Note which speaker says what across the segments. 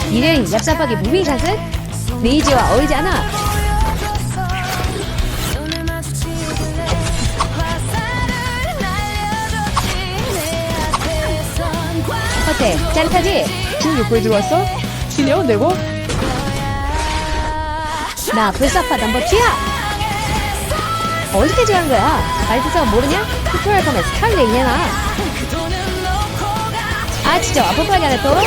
Speaker 1: 이래인 얍삽하게 무빙샷은 레이지와 어울리지 않아. 어때? 짜릿하지?
Speaker 2: 지금 6부에 들어왔어? 실력 내고?
Speaker 1: 나 불사파 넘버 2야! 어떻게 정한 거야? 말투서 모르냐? 튜토리얼 보면 스타일링이야 나. 아 진짜 와퍼파게 하네 또?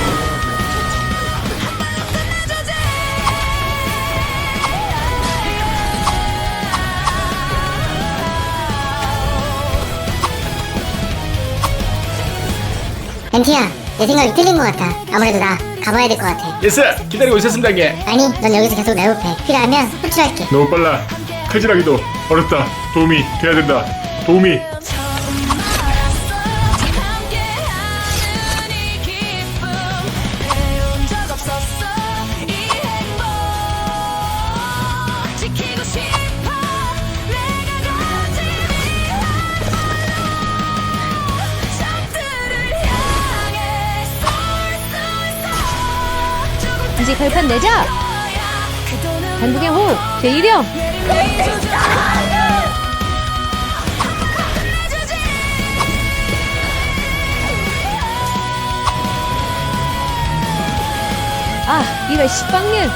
Speaker 3: 엔티야, 내 생각이 틀린 것 같아. 아무래도 나 가봐야 될 것 같아.
Speaker 4: 예스! 기다리고 있었습니다 형님.
Speaker 3: 아니, 넌 여기서 계속 매혹해. 필요하면 호출할게.
Speaker 4: 너무 빨라. 칼질하기도 어렵다. 도움이 돼야 된다. 도움이.
Speaker 1: 이제 결판 내자! 단국의 호흡 제1형! 아 이럴 식빵년!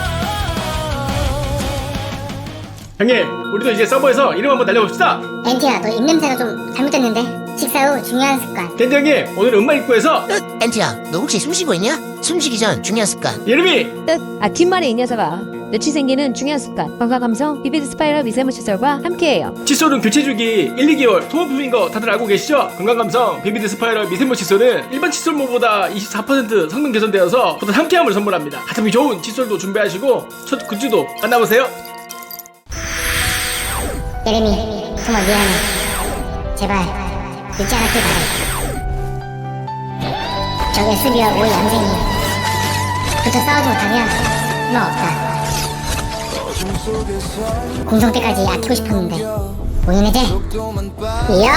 Speaker 4: 형님, 우리도 이제 서버에서 이름 한번 날려봅시다.
Speaker 3: 엔티야, 너 입냄새가 좀 잘못됐는데? 식사 후 중요한 습관.
Speaker 4: 겐지 형님, 오늘 음악 입구에서
Speaker 5: 엔티야, 너 혹시 숨쉬고 있냐? 숨쉬기 전 중요한 습관.
Speaker 4: 이름이
Speaker 1: 뜻! 아 뒷말에 이 녀석아. 며칠 생기는 중요한 습관 건강감성 비비드 스파이럴 미세모 칫솔과 함께해요.
Speaker 4: 칫솔은 교체주기 1, 2개월 소모품인 거 다들 알고 계시죠? 건강감성 비비드 스파이럴 미세모 칫솔은 일반 칫솔모보다 24% 성능 개선되어서 보다 함께함을 선물합니다. 가성비 좋은 칫솔도 준비하시고 첫 굿즈도 만나보세요.
Speaker 3: 예레미, 정말 미안해. 제발 늦지 않았길 바래. 저 SB와 오이 양생이 붙어 싸우지 못하면 희망 없다. 공성 때까지 아끼고 싶었는데 보이네제. 이야!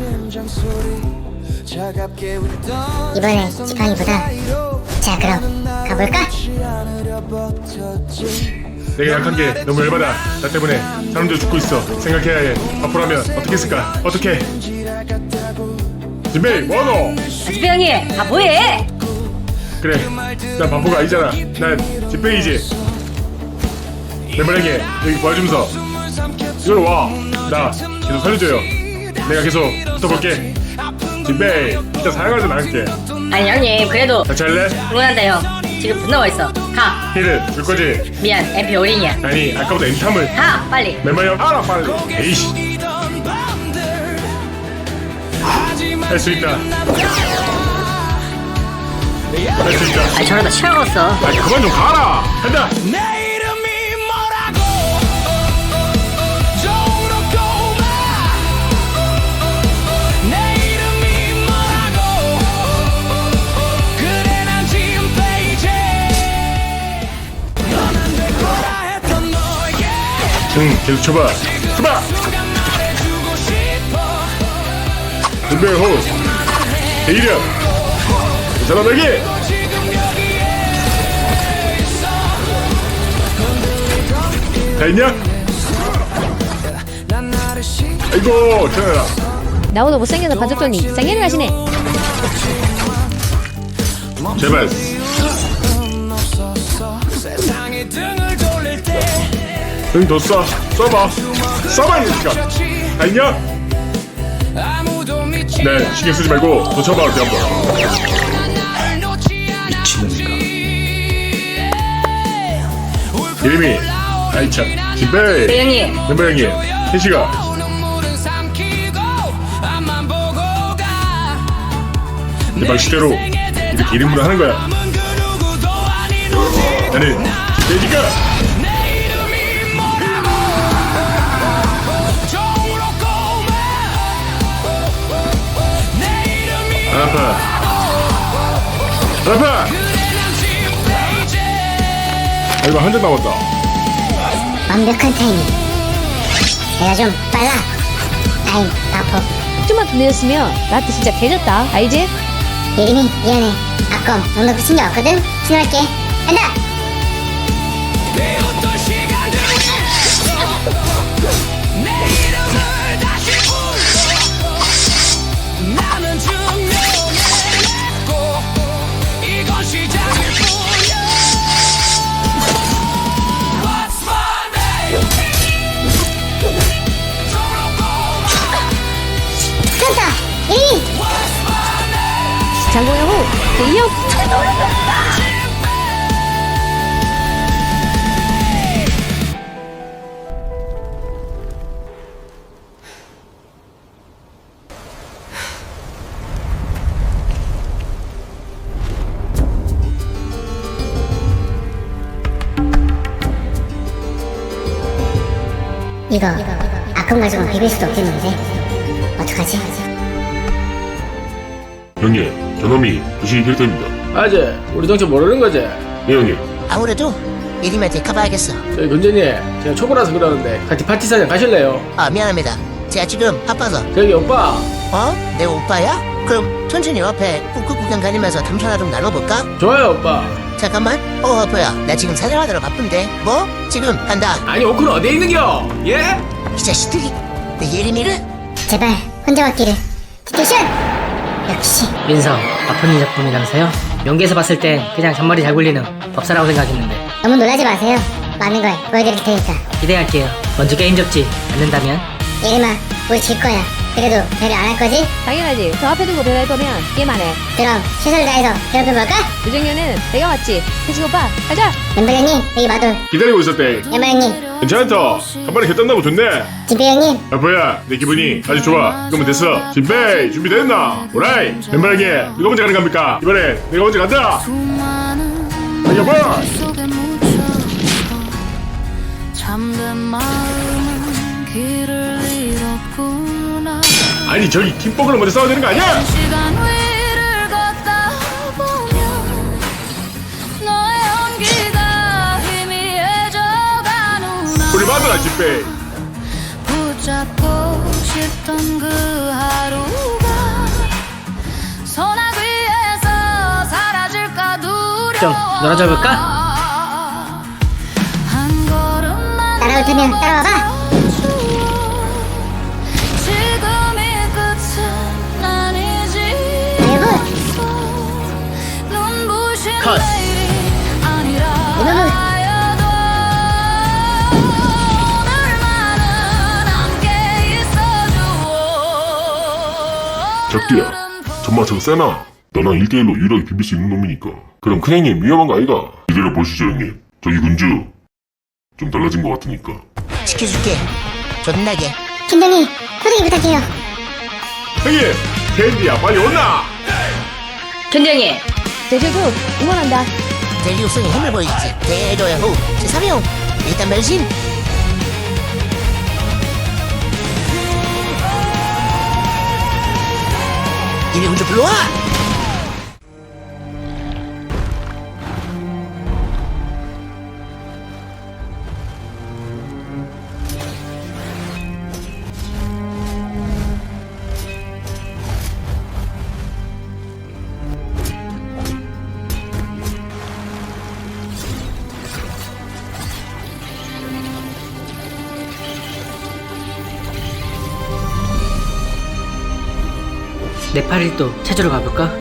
Speaker 3: 이번에 지팡이보다. 자, 그럼 가볼까?
Speaker 4: 내가 약한 게 너무 열받아. 나 때문에 사람들 죽고 있어. 생각해야 해. 앞으로 하면 어떻게 했을까? 어떻게? 진베이 뭐하노?
Speaker 1: 지병이 아 뭐해?
Speaker 4: 그래, 난 바보가 아니잖아. 난 진베이지. 내 말행에 여기 도와주면서 이걸 와. 나 계속 살려줘요. 내가 계속 붙어볼게. 진베이 일단 사양하지 않을게.
Speaker 6: 아니 형님 그래도
Speaker 4: 같이 할래?
Speaker 6: 응원한다요. 지금 분 나와 있어. 가.
Speaker 4: 힐을 줄 거지?
Speaker 6: 미안 MP 어린이야.
Speaker 4: 아니 아까보다 엔탐을.
Speaker 6: 가 빨리.
Speaker 4: 멤버형 알아 빨리. 에이씨. 할 수 있다. 할 수 있다.
Speaker 6: 아니 저러다 치아갔어.
Speaker 4: 아니 그만 좀 가라. 간다. 응, 계속 쳐봐. 쳐봐. 준비 호. 대이력. 이 사람에게. 다 있냐? 아이고, 전해라.
Speaker 1: 나보다 못생겨서 봐줬더니 생일을 하시네.
Speaker 4: 제발. 응, 더 쏴. 쏴봐. 쏴봐, 이 새끼가. 다 있냐? 네, 신경 쓰지 말고 더 쳐봐, 어디 한번. 미친놈인가. 이름이, 아이 참, 진배.
Speaker 6: 네 형님.
Speaker 4: 멤버 형님, 혜시가. 내 방식대로 이렇게 이름으로 하는 거야. 나는 진배니까. 안 아파. 안 아파. 아이고 한 점 남았다.
Speaker 3: 완벽한 타이밍. 내가 좀 빨라. 아이, 아파.
Speaker 1: 좀만 더 늦었으면 나한테 진짜 개졌다. 알지?
Speaker 3: 예림이, 미안해. 아까 넌 그렇게 신경 없거든? 신호할게. 간다. 그렇다. 이
Speaker 1: 장고영 후 대이형
Speaker 3: 이거 아픔 가지고 비빌 수도 없겠는데 어떡하지?
Speaker 4: 형님, 저놈이 부식이 캐릭터입니다.
Speaker 2: 아재 우리 정체 모르는 거지?
Speaker 4: 네 형님.
Speaker 5: 아무래도 예림한테 가봐야겠어.
Speaker 2: 저희 근재님 제가 초보라서 그러는데 같이 파티 사장 가실래요?
Speaker 5: 아, 미안합니다. 제가 지금 바빠서.
Speaker 2: 저기 오빠
Speaker 5: 어? 내 오빠야? 그럼 천천히 옆에 북극 구경 다니면서 담소나 좀 나눠볼까?
Speaker 2: 좋아요 오빠.
Speaker 5: 잠깐만. 오빠야, 나 지금 사냥하느라 바쁜데. 뭐? 지금 간다.
Speaker 2: 아니 오크는 어디에 있는겨? 예?
Speaker 5: 이 자식들이 내 예림이를?
Speaker 3: 제발 혼자 왔기를. 디테션. 역시
Speaker 6: 민성 아픈 작품이라면서요? 연기에서 봤을 땐 그냥 잔머리 잘 굴리는 법사라고 생각했는데
Speaker 3: 너무 놀라지 마세요. 많은 걸 보여드릴 테니까.
Speaker 6: 기대할게요. 먼저 게임 접지 않는다면
Speaker 3: 예림아, 우리 질 거야. 그래도 배려 안 할 거지?
Speaker 1: 당연하지. 저 앞에 두고 배달 거면 게임 안 해.
Speaker 3: 그럼 최선을 다해서 괴롭혀볼까?
Speaker 1: 유정현은 내가 왔지. 태식 오빠 가자.
Speaker 3: 멤버 형님, 여기 마돌.
Speaker 4: 기다리고 있었대.
Speaker 3: 야마 형님,
Speaker 4: 괜찮다. 한 번에 개딴다고 좋네.
Speaker 3: 진표 형님.
Speaker 4: 아빠야, 내 기분이 아주 좋아. 그러면 됐어. 진페이 준비됐나? 오라이. 멤버 형님, 누가 먼저 가는 겁니까? 이번엔 내가 먼저 간다. 아, 여보.
Speaker 7: 속에 묻혀서 잠든 마음은 길을 잃었구나.
Speaker 4: 아니 저기 팀버그로 먼저 싸워야 되는 거 아니야?
Speaker 7: 시간 위를 걷다 보면 너의 온기가 희미해져가는구나.
Speaker 4: 우리 마누라 진페이.
Speaker 7: 붙잡고 싶던 그 하루가 소나기 위에서 사라질까 두려워.
Speaker 6: 좀 놀아줘 볼까?
Speaker 7: 한 걸음만
Speaker 3: 따라올 테면 따라와봐.
Speaker 7: 지금이 끝은 아니지.
Speaker 3: 아이고.
Speaker 7: 눈부신
Speaker 6: 컷.
Speaker 7: 내일이 아니라
Speaker 3: 이놈은.
Speaker 7: 하여도 오늘만은 함께 있어줘.
Speaker 4: 적디야, 정말 저거 세나? 너랑 1대1로 유일하게 비빌 수 있는 놈이니까. 그럼 큰형님 위험한 거 아이가? 기다려 보시죠 형님. 저기 군주 좀 달라진 것 같으니까.
Speaker 5: 지켜줄게. 존나게.
Speaker 3: 팀장님, 소개팅 부탁해요.
Speaker 4: 형님, 캔디야 빨리 온나?
Speaker 6: 견장이
Speaker 1: 제주도 응원한다.
Speaker 5: 델리우스의 힘을 보여주지. 대도야 후. 제3형. 일단 변신. 이리 군주 불러와.
Speaker 6: 네팔일도 찾으러 가볼까?